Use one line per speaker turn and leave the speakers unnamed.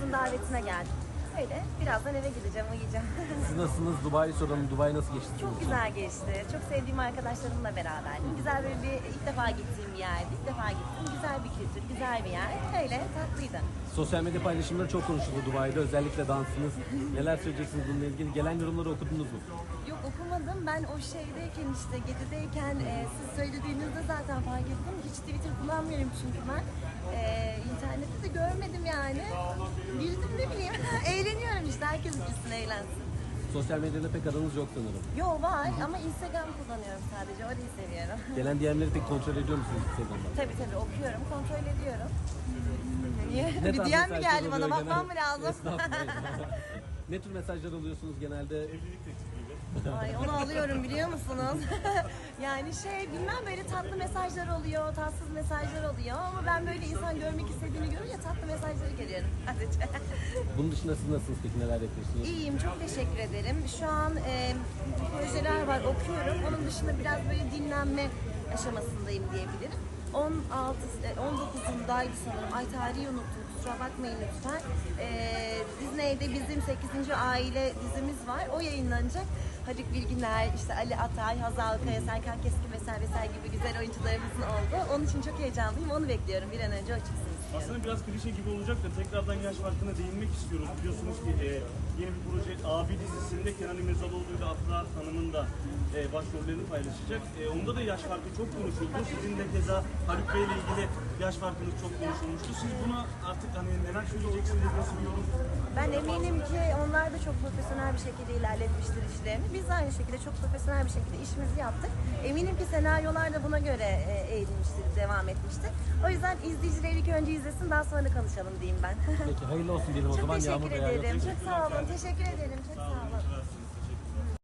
kızın davetine geldim. Öyle birazdan eve gideceğim, uyuyacağım.
Siz nasılsınız? Dubai'yi soralım. Dubai nasıl geçti?
Çok güzel geçti. Çok sevdiğim arkadaşlarımla beraberdim. Güzel böyle bir ilk defa gittiğim bir yerdi. İlk defa gittim. Güzel bir kültür, güzel bir yer. Öyle tatlıydı.
Sosyal medya paylaşımları çok konuşuldu Dubai'de. Özellikle dansınız. Neler söyleyeceksiniz bununla ilgili? Gelen yorumları okudunuz mu?
Yok okumadım. Ben o şeydeyken işte Gedi'deyken siz söylediğinizde zaten fark ettim. Hiç Twitter kullanmıyorum çünkü ben. İnternette de görmedim yani. Girdim ne bileyim. Eğleniyorum işte. Herkes gitsin eğlensin.
Sosyal medyada pek aranız yok sanırım.
Yo var ama Instagram kullanıyorum sadece. Orayı seviyorum.
Gelen DM'leri pek kontrol ediyor musunuz Instagram'da?
Tabii okuyorum. Kontrol ediyorum. Niye?
Ne
Bir
tarz
DM mi
mesajlar
geldi bana?
oluyor
Bakmam mı
genelde?
lazım?
Estağfurullah. Ne tür mesajlar alıyorsunuz genelde?
Ay onu alıyorum biliyor musunuz? Yani bilmem böyle tatlı mesajlar oluyor, tatsız mesajlar oluyor ama ben böyle insan görmek istediğini görünce tatlı mesajları görüyorum sadece.
Bunun dışında siz nasılsınız peki? Neler yapıyorsunuz?
İyiyim, çok teşekkür ederim. Şu an projeler var, okuyorum. Onun dışında biraz böyle dinlenme aşamasındayım diyebilirim. 19'undaydı sanırım. Ay tarihi unuttum. Kusura bakmayın lütfen. Disney'de bizim 8. aile dizimiz var. O yayınlanacak. Haluk Bilginer, işte Ali Atay, Hazal Kaya, Serkan Keskin vesaire gibi güzel oyuncularımızın oldu. Onun için çok heyecanlıyım. Onu bekliyorum. Bir an önce o çıksın istiyorum.
Aslında biraz klişe gibi olacak da tekrardan yaş farkına değinmek istiyoruz. Biliyorsunuz ki yeni bir proje Abi dizisinde Kenan İmirzalıoğlu ile Afra Hanım'ın da başrollerini paylaşacak. Onda da yaş farkı çok konuşuldu. Sizin de keza Haluk Bey ile ilgili yaş farkınız çok konuşulmuştu. Siz buna artık neler söyleyeceksiniz, nasıl bir yorum?
Ben eminim ki onlar da çok profesyonel bir şekilde ilerletmiştir işlerini. Biz de aynı şekilde çok profesyonel bir şekilde işimizi yaptık. Eminim ki senaryolar da buna göre eğilmiştir, devam etmiştir. O yüzden izleyiciler ilk önce izlesin, daha sonra konuşalım diyeyim ben.
Peki hayırlı olsun diyelim o
Çok
zaman.
teşekkür
Yağmur Bey.
ederim. Çok sağ olun. Teşekkür ederim. Çok sağ olun.